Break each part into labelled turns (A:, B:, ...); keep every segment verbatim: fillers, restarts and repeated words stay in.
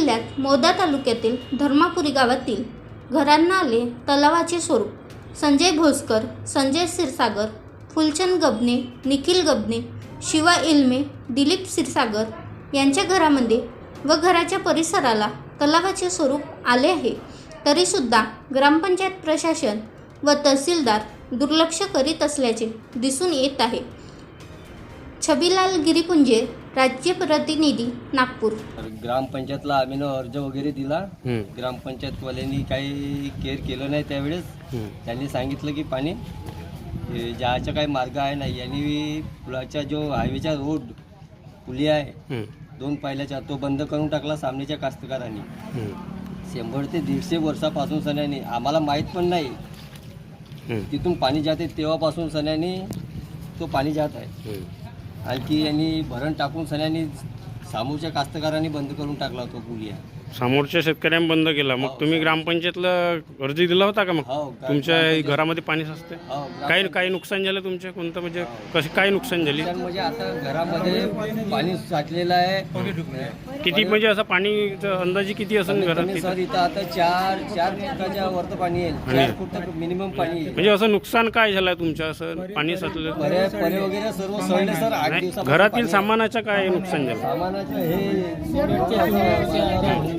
A: जिल्ह्यात मोदा तालुक्यातील धर्मापुरी गावातील घरांना आले तलावाचे स्वरूप. संजय भोसकर, संजय क्षीरसागर, फुलचंद गबने, निखिल गबने, शिवा इल्मे, दिलीप क्षीरसागर यांच्या घरामध्ये व घराच्या परिसराला तलावाचे स्वरूप आले आहे. तरीसुद्धा ग्रामपंचायत प्रशासन व तहसीलदार दुर्लक्ष करीत असल्याचे दिसून येत आहे. छबीलाल गिरीपुंजे, राज्य प्रतिनिधी, नागपूर.
B: ग्रामपंचायतला आम्ही अर्ज वगैरे दिला. ग्रामपंचायतवाल्यांनी काही केअर केलं नाही. त्यावेळेस त्यांनी सांगितलं की पाणी जायचा काही मार्ग आहे नाही. यांनी पुलाच्या जो हायवेचा रोड पुली आहे दोन पायल्याचा तो बंद करून टाकला सामनेच्या कास्तकारांनी. शंभर ते दीडशे वर्षापासून सन्यानी आम्हाला माहीत पण नाही तिथून पाणी जाते तेव्हापासून सन्यानी तो पाणी जात आहे. आणखी यांनी भरण टाकून सन्यानी समोरच्या कास्तकारांनी बंद करून टाकला होता पुलिया.
C: समोरच्या शेतकऱ्यांनी बंद केला. मग तुम्ही ग्रामपंचायतला अर्ज दिला होता का? मग तुमच्या घरामध्ये पाणी साचते. काही काही नुकसान झालं तुमच्या? कोणतं म्हणजे कशी काय नुकसान झाली?
B: म्हणजे आता घरामध्ये पाणी साचलेलं आहे.
C: किती म्हणजे असं पाणीचं अंदाजे किती असेल घरात?
B: सर इथं आता चार चार फुटाच्या वरतं पाणी येईल. चार फूट मिनिमम पाणी येईल.
C: म्हणजे असं नुकसान काय झालं तुमच्या? असं पाणी साचलं
B: परे परे वगैरे सर्व सळले सर. आठ दिवसात
C: घरातील सामानाचं काय नुकसान झालं?
B: सामानाचं हे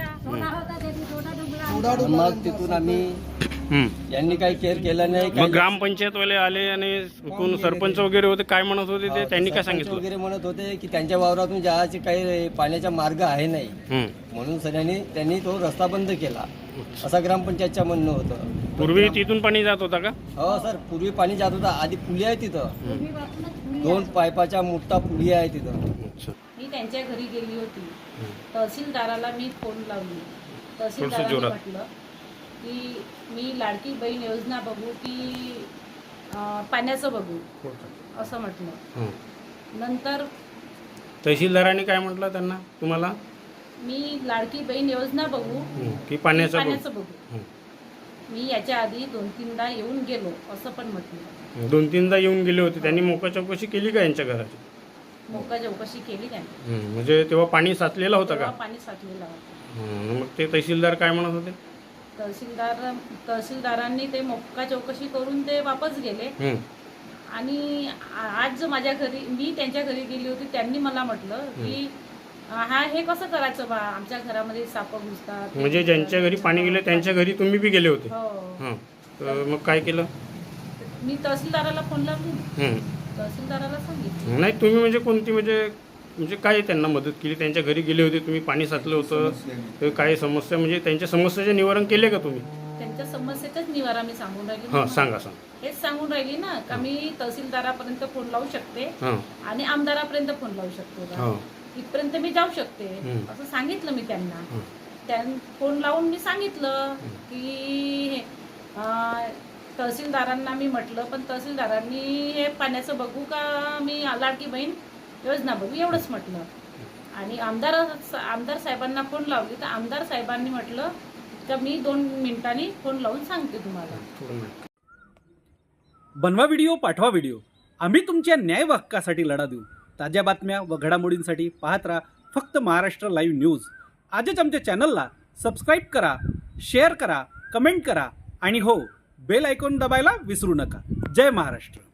B: मग तिथून आम्ही यांनी काही केअर केलं नाही.
C: मग ग्रामपंचायतवाले आले आणि कोण सरपंच वगैरे होते काय म्हणत होते ते? त्यांनी काय सांगितलं
B: वगैरे म्हणत होते की त्यांच्या वावरातून जायचे काही पाण्याचा मार्ग आहे नाही म्हणून सगळ्यांनी त्यांनी तो रस्ता बंद केला असा ग्रामपंचायतचं म्हणणं होतं.
C: पूर्वी तिथून पाणी जात होता का?
B: हो सर, पूर्वी पाणी जात होता. आधी पुली आहे तिथं, दोन पायपाच्या मोठा पुली आहे तिथं.
D: मी त्यांच्या घरी गेली होती. तहसीलदाराला मी फोन लावली. तहसीलदाराने म्हटलं की मी लाडकी बहीण योजना बघू की पाण्याचं बघू असं म्हटलं. नंतर
C: तहसीलदाराने काय म्हटलं त्यांना तुम्हाला?
D: मी लाडकी बहीण योजना बघू
C: की पाण्याचं
D: पाण्याचं बघू. मी याच्या आधी दोन तीनदा येऊन गेलो असं पण म्हटलं.
C: दोन तीनदा येऊन गेले होते. त्यांनी मोका चौकशी केली का यांच्या घराची?
D: मोका चौकशी केली त्यांनी.
C: म्हणजे तेव्हा पाणी साचलेलं होतं का?
D: पाणी साचलेलं होतं.
C: मग ते तहसीलदार काय म्हणत होते?
D: तहसीलदार तहसीलदारांनी ते मोका चौकशी करून ते वापस गेले. आणि आज जो माझ्या घरी मी त्यांच्या घरी गेली होती त्यांनी मला म्हटलं की हा हे कसं करायचं बा, आमच्या घरामध्ये साप घुसतात.
C: म्हणजे ज्यांच्या घरी पाणी गेले त्यांच्या घरी तुम्ही बी गेले होते?
D: हो.
C: तर मग काय केलं?
D: मी तहसीलदाराला फोन लावली. तहसीलदाराला सांगितलं.
C: नाही तुम्ही म्हणजे कोणती म्हणजे म्हणजे काय त्यांना मदत केली? त्यांच्या घरी गेले होते तुम्ही, पाणी साचलं होतं तर काय समस्या म्हणजे त्यांच्या समस्याचे निवारण केले का तुम्ही?
D: त्यांच्या समस्येचंच निवारण मी सांगून राहिली.
C: हां सांगा सांगा.
D: हेच सांगून राहिली ना का मी तहसीलदारापर्यंत फोन लावू शकते आणि आमदारापर्यंत फोन लावू शकते. इथपर्यंत मी जाऊ शकते असं सांगितलं मी त्यांना. त्या फोन लावून मी सांगितलं की तहसीलदारांना मी म्हटलं. पण तहसीलदारांनी हे पाण्याचं बघू का मी लाडकी बहीण योजना बघू एवढंच म्हटलं. आणि आमदार आमदार साहेबांना फोन लावली तर आमदार साहेबांनी म्हटलं का मी दोन मिनिटांनी फोन लावून सांगते तुम्हाला.
E: बनवा व्हिडिओ, पाठवा व्हिडिओ. आम्ही तुमच्या न्याय व हक्कासाठी लढा देऊ. ताज्या बातम्या व घडामोडींसाठी पाहत राहा फक्त महाराष्ट्र लाईव्ह न्यूज. आजच आमच्या चॅनलला सबस्क्राईब करा, शेअर करा, कमेंट करा आणि हो बेल आयकॉन दबायला विसरू नका. जय महाराष्ट्र.